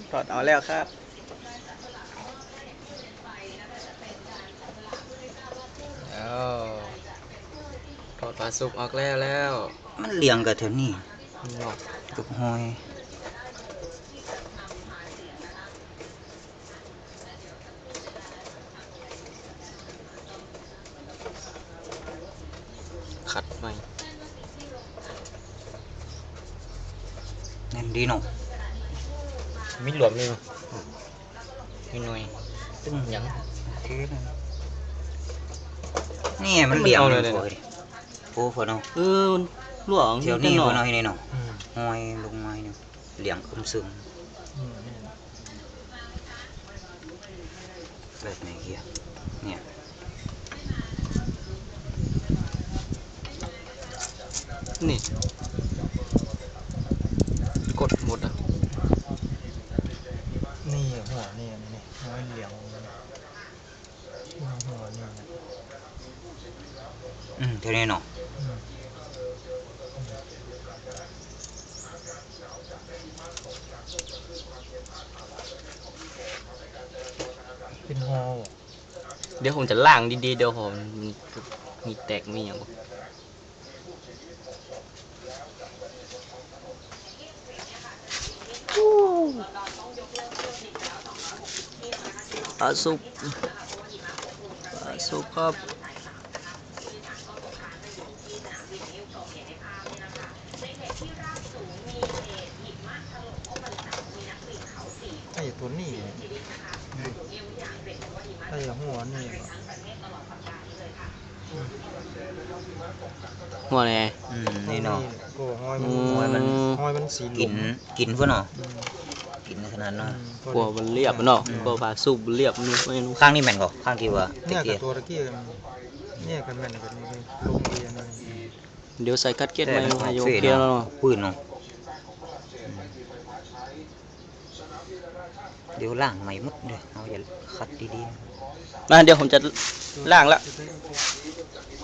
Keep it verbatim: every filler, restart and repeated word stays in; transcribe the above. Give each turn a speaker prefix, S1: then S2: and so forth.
S1: ถอดเอาแล้วครับแล้วถอดปลาสุกออกแล้วแล้ว
S2: มันเลี้ยงกับเท่านี้
S1: หอก
S2: ตุกหอย
S1: ขัดไหม
S2: นั่นดีเนาะ
S1: มีหลวมเลยมีหน่อย
S2: ตึ้ง
S1: ยัง
S2: โอเคนะนี่มันเลี้ยงเลยโอ้พอเนาะ
S1: เออหลวง
S2: เที่ยวนี้พอเนาะนี่เนาะหอยลงไม้เนี่ยเลี้ยงอึมซึมแบบไหนเกียเนี่ย
S1: นี่กดหมดอ่ะ
S3: นี่หัวนี่นี่หัวเหลียงหัวนี่
S2: อืมเท่านี้เนาะ
S3: เป็นหอ
S1: เดี๋ยวผมจะล่างดีๆเดี๋ยวผมมีแตกมีอย่างปลาสุกปลาสุกครับ
S3: ไอ้ตัวนี้ไอ้หัวนี่
S1: หัวไง
S2: อืมนี่เนาะ
S3: ก็หอยมันหอยมันหอยมันสี
S2: กินกินเพื่อเนาะกินขนาดเนาะ
S1: กลัวมันเรียบเนาะกลัวปลาสุกเรียบนู่นไม่รู้
S2: ข้างนี้แม่นก่อข้างที่ว่า
S3: เนี่ยกับตัวตะกี้เนี่ยกันแม่นกันนี่ลงเรียนอะไร
S1: เดี๋ยวใส่คัดเก็ตมาให้โยกเกียร์แล้วเนาะ
S2: ปืนเนาะเดี๋ยวล่างใหม่หมดเลยเอาอย่าคัดดีๆ
S1: มาเดี๋ยวผมจะล่างละ